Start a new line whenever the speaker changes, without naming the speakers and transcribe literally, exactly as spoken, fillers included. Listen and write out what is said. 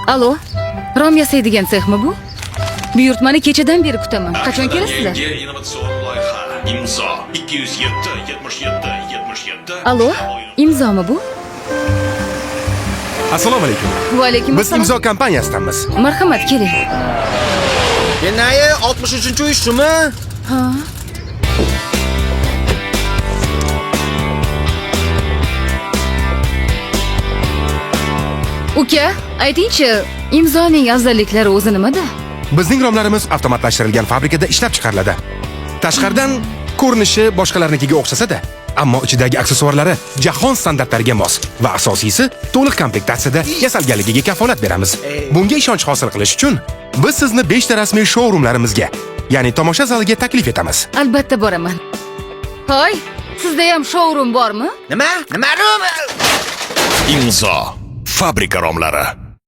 Alo, rom yasaydigan sexmi bu? Buyurtmani kechadan beri kutaman. Qachon kelasizlar?
Yangi innovatsion loyiha. Imzo ikki yuz yetti yetmish yetti yetmish yetti.
Alo, imzomi bu?
Assalomu alaykum.
Va alaykum
Biz
assalom.
Imzo kompaniyasidanmiz.
Marhamat, keling.
Kenayi oltmish uchinchi uy shumi?
Ha. Uka, ayting-chi, imzoning afzalliklari o'zi nimada?
Bizning romlarimiz avtomatlashtirilgan fabrikada ishlab chiqariladi. Tashqaridan ko'rinishi boshqalarnikiga o'xshasa-da, ammo ichidagi aksessuarlari jahon standartlariga mos va asosiysi to'liq komplektatsiyada yasalganligiga kafolat beramiz. Bunga ishonch hosil qilish uchun biz sizni beshta rasmiy showroomlarimizga, ya'ni tomosha zaliga taklif etamiz.
Albatta boraman. Hoy, sizda ham showroom bormi?
Nima? Nima rum?
Imzo fabrika romlari.